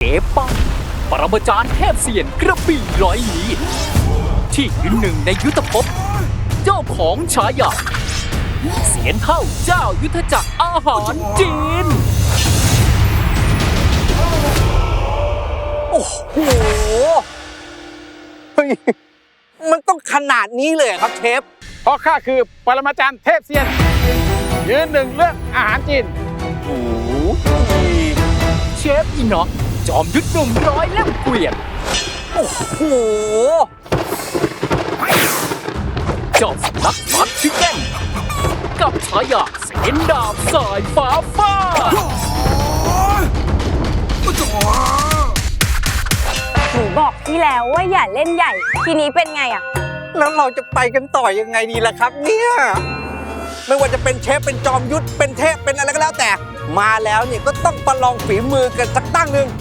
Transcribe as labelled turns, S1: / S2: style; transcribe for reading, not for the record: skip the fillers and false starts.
S1: ฟป้องปรมาจารย์เทพเซียนกระบี่ร้อยหลีที่ยืนหนึ่งในยุทธภพเจ้าของฉายาเสียนเท่าเจ้ายุทธจักรอาหารจีน
S2: โอ้โหเฮ้ยมันต้องขนาดนี้เลยครับเชฟ
S3: เพราะข้าคือปรมาจารย์เทพเซียนยืนหนึ่งเรื่องอาหารจีน
S2: โอ้โห
S1: เชฟอีน็อกจอมยุทธหนุ่มร้อยเล่มเกวียน
S2: โอ้โห
S1: เจ้าสำนักฟัดชิคเก้นกับฉายาเสียนดาบสายฟ้าฟาด
S4: หนูบอกพี่แล้วว่าอย่าเล่นใหญ่ ทีนี้เป็นไงอะ
S2: แล้วเราจะไปกันต่อยังไงดีล่ะครับเนี่ยไม่ว่าจะเป็นเชฟเป็นจอมยุทธเป็นเทพเป็นอะไรก็แล้วแต่มาแล้วเนี่ยก็ต้องประลองฝีมือกันสักตั้งหนึ่ง